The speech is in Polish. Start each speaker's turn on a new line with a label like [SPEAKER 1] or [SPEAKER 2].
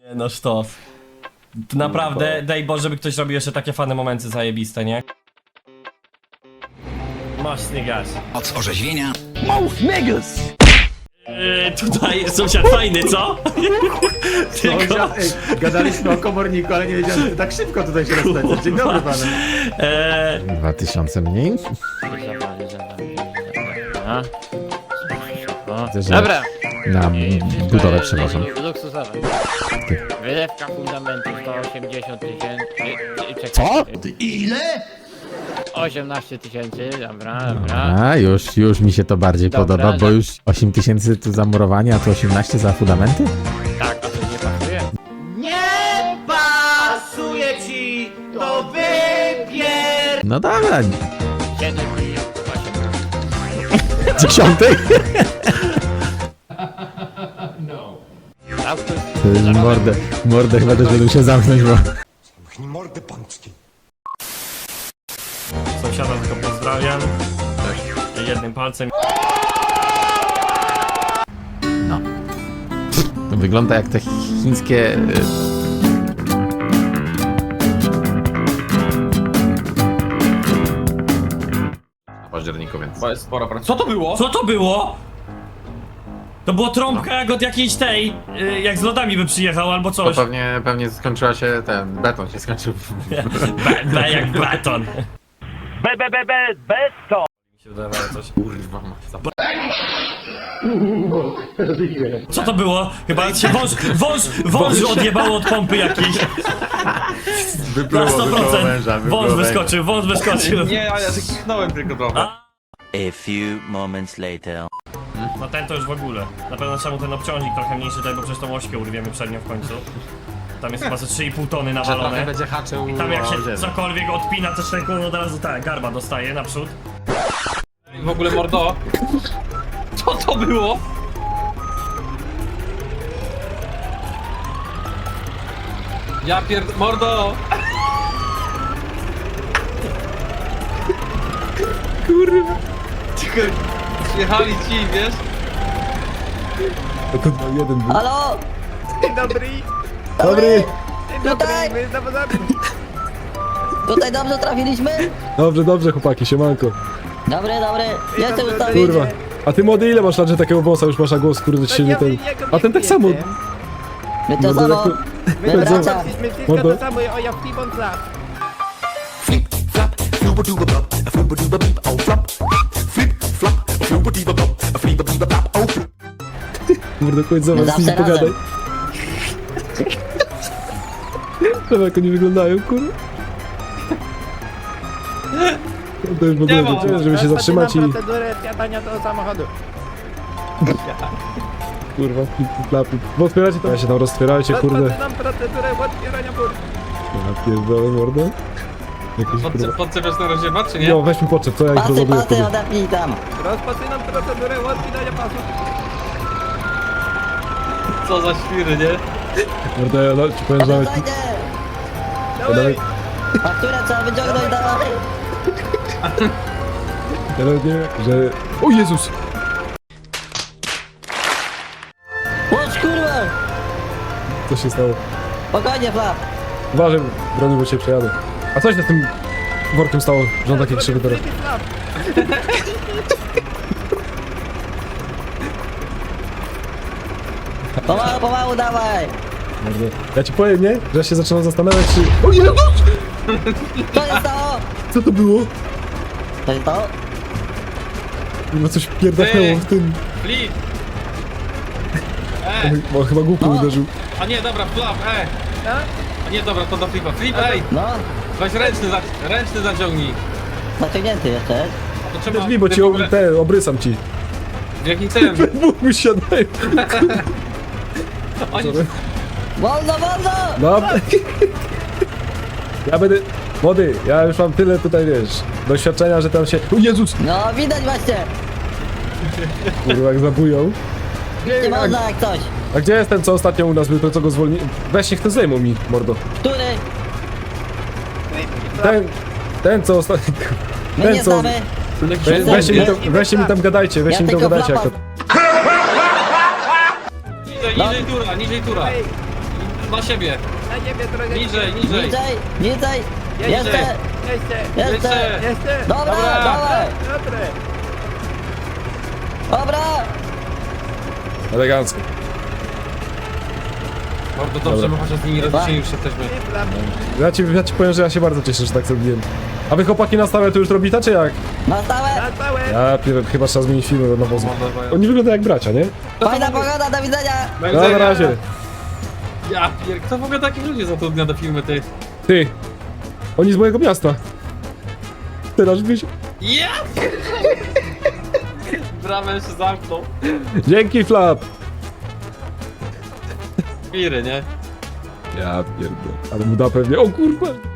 [SPEAKER 1] No sztos. Naprawdę, daj Boże, żeby ktoś robił jeszcze takie fane momenty zajebiste, nie? Mocny gaz.
[SPEAKER 2] Moc orzeźwienia.
[SPEAKER 1] Tutaj sąsiad fajny, co? Tylko...
[SPEAKER 3] Gadaliśmy o komorniku, ale nie wiedziałem, że tak szybko tutaj się rozpędza. Dzień dobry panu.
[SPEAKER 4] 2000 mniej? Widzę, że
[SPEAKER 5] Dobra.
[SPEAKER 4] na budowę przeważam.
[SPEAKER 5] Luksusowe. Wylewka fundamentu 180 tysięcy.
[SPEAKER 4] Co?
[SPEAKER 2] Ile?
[SPEAKER 5] 18 tysięcy, dobra.
[SPEAKER 4] A, już mi się to bardziej
[SPEAKER 5] Dobra,
[SPEAKER 4] podoba, bo
[SPEAKER 5] że-
[SPEAKER 4] już 8000 tu za murowanie, a tu 18 za fundamenty?
[SPEAKER 5] Tak, a to nie pasuje?
[SPEAKER 4] No dobra,
[SPEAKER 5] 7
[SPEAKER 4] 10. Mordę chyba też będę musiał zamknąć, bo...
[SPEAKER 1] Sąsiada tylko pozdrawiam. Jednym palcem.
[SPEAKER 4] To wygląda jak te chińskie... W październiku, więc...
[SPEAKER 6] Bo jest spora praca. Co to było?
[SPEAKER 1] Co to było? To było trąbka jak od jakiejś tej, jak z lodami by przyjechał albo
[SPEAKER 4] To
[SPEAKER 1] coś.
[SPEAKER 4] pewnie skończyła się beton się skończył.
[SPEAKER 1] B jak baton.
[SPEAKER 7] Beton!
[SPEAKER 1] Mi się wydawało coś.
[SPEAKER 4] Kurwa,
[SPEAKER 1] Co to było? Chyba się wąż odjebało od pompy jakiejś. Na 100%. Wąż wyskoczył.
[SPEAKER 6] Nie, ale ja się kichnąłem tylko trochę.
[SPEAKER 8] A few moments later.
[SPEAKER 1] No ten to już w ogóle. Na pewno trzeba mu ten obciążnik trochę mniejszy tutaj, bo przecież tą ośkę urwiemy przednią w końcu. Tam jest chyba ze 3,5 tony nawalone.
[SPEAKER 4] będzie haczył.
[SPEAKER 1] I tam jak się cokolwiek odpina, to szczęką od razu ta garba dostaje naprzód.
[SPEAKER 6] W ogóle mordo. Co to było? Ja mordo! Kurwa. Przyjechali ci, wiesz?
[SPEAKER 9] Halo?
[SPEAKER 3] Dobry.
[SPEAKER 9] Tutaj?
[SPEAKER 3] My zawodami.
[SPEAKER 9] Tutaj dobrze trafiliśmy?
[SPEAKER 10] Dobrze, chłopaki, siemanko.
[SPEAKER 9] Dobry. Jestem ustawić.
[SPEAKER 10] Kurwa. A ty młody, ile masz lat, że takiego wąsa już masz, a głos, kurde, ci się nie ten... A ten tak samo.
[SPEAKER 9] My to
[SPEAKER 10] Mordo,
[SPEAKER 9] samo.
[SPEAKER 10] jak
[SPEAKER 9] My bracia.
[SPEAKER 3] My wszystko
[SPEAKER 10] Mordo.
[SPEAKER 3] to samo, o ja w Pibon Club.
[SPEAKER 10] Kurde, chodź
[SPEAKER 9] My
[SPEAKER 10] zobacz, z nimi
[SPEAKER 9] zawsze
[SPEAKER 10] pogadaj.
[SPEAKER 9] razem.
[SPEAKER 10] Zobacz, jak oni wyglądają, kurwa. To już w ogóle
[SPEAKER 6] ma.
[SPEAKER 10] wiecie, żeby się zatrzymać i...
[SPEAKER 3] procedurę wsiadania do samochodu.
[SPEAKER 10] Kurwa, flip. Bo otwieracie to? Ja się tam roztwierajcie, kurde.
[SPEAKER 3] Rozpoczynam procedurę otwierania bur.
[SPEAKER 10] Ja pierdolę, mordo. Jakiś kurwa...
[SPEAKER 6] Podczepiasz na rozdziewa, czy nie?
[SPEAKER 10] Jo, weź mi poczep, co ja ich
[SPEAKER 9] Pasy,
[SPEAKER 10] rozładuję wtedy.
[SPEAKER 9] odepnij tam.
[SPEAKER 3] Rozpoczynam procedurę otwierania pasów.
[SPEAKER 6] Co za świry, nie?
[SPEAKER 10] Mordo, ja ci powiem, że nawet...
[SPEAKER 9] Dajcie.
[SPEAKER 10] Ja nawet...
[SPEAKER 9] Fakturę trzeba wyciągnąć, dawaj.
[SPEAKER 10] Ja nawet nie wiem, że... O Jezus!
[SPEAKER 9] Łódź, kurwa.
[SPEAKER 10] Co się stało?
[SPEAKER 9] Spokojnie, Flap.
[SPEAKER 10] Uważaj, broni, bo cię przejadę. A coś na tym workiem stało, że on takie krzywy teraz.
[SPEAKER 9] Pomału, dawaj.
[SPEAKER 10] Mordo. Ja ci powiem, nie? Że ja się zaczynam zastanawiać, czy... O Jezus!
[SPEAKER 9] Co się stało?
[SPEAKER 10] Co to było?
[SPEAKER 9] Co się stało?
[SPEAKER 10] Chyba coś pierdachnęło w tym...
[SPEAKER 6] Flip!
[SPEAKER 10] Bo chyba głupio
[SPEAKER 9] No.
[SPEAKER 10] uderzył.
[SPEAKER 6] A nie, dobra, flap, A nie, dobra, to do flipa. Flip,
[SPEAKER 9] No,
[SPEAKER 6] weź ręczny zaciągnij.
[SPEAKER 9] zaciągnięty jeszcze.
[SPEAKER 6] A to trzeba...
[SPEAKER 10] Drzwi, bo ci obrysam ci.
[SPEAKER 6] W jakim celem?
[SPEAKER 10] Bóg mi siadają.
[SPEAKER 6] Oni...
[SPEAKER 9] Wolno!
[SPEAKER 10] No. Ja będę... Młody, ja już mam tyle tutaj, wiesz, doświadczenia, że tam się... O Jezus!
[SPEAKER 9] No, widać właśnie.
[SPEAKER 10] Kurwa, jak zabują.
[SPEAKER 9] Nie można jak coś.
[SPEAKER 10] A gdzie jest ten, co ostatnio u nas był, to co go zwolni... Weź niech to zdejmą mi, mordo.
[SPEAKER 9] Który?
[SPEAKER 10] Ten, co ostatnio...
[SPEAKER 9] My nie znamy.
[SPEAKER 10] Weźcie mi tam gadajcie, weźcie mi tam
[SPEAKER 9] tylko
[SPEAKER 10] gadajcie.
[SPEAKER 9] Flapa
[SPEAKER 10] Jak to...
[SPEAKER 6] Niżej tura, niżej tura. na siebie.
[SPEAKER 5] Na niebie trochę.
[SPEAKER 6] Niżej.
[SPEAKER 9] Niżej, niżej. Jeszcze,
[SPEAKER 5] Jeszcze.
[SPEAKER 9] jeszcze. Dobra, dawaj.
[SPEAKER 5] Dobre.
[SPEAKER 9] Dobra.
[SPEAKER 10] Elegancko.
[SPEAKER 6] Bardzo dobrze,
[SPEAKER 10] Dobra.
[SPEAKER 6] my chociaż z nimi rozliczeni już jesteśmy.
[SPEAKER 10] Ja ci powiem, że ja się bardzo cieszę, że tak zrobiłem. A wy chłopaki na stałe to już robicie, czy jak?
[SPEAKER 9] Na stałe.
[SPEAKER 10] Chyba trzeba zmienić filmy na wozu. Oni wyglądają jak bracia, nie?
[SPEAKER 9] Fajna pogoda, do widzenia.
[SPEAKER 10] No, na razie.
[SPEAKER 6] Ja pier... Kto w ogóle takich ludzi zatrudnia do filmy, ty?
[SPEAKER 10] Ty. Oni z mojego miasta. Teraz wiesz.
[SPEAKER 6] Ja! Bramę się zamknął.
[SPEAKER 10] Dzięki, Flap.
[SPEAKER 6] Wiry, nie?
[SPEAKER 10] Ja pierdolę. Ale mu da pewnie. O kurwa.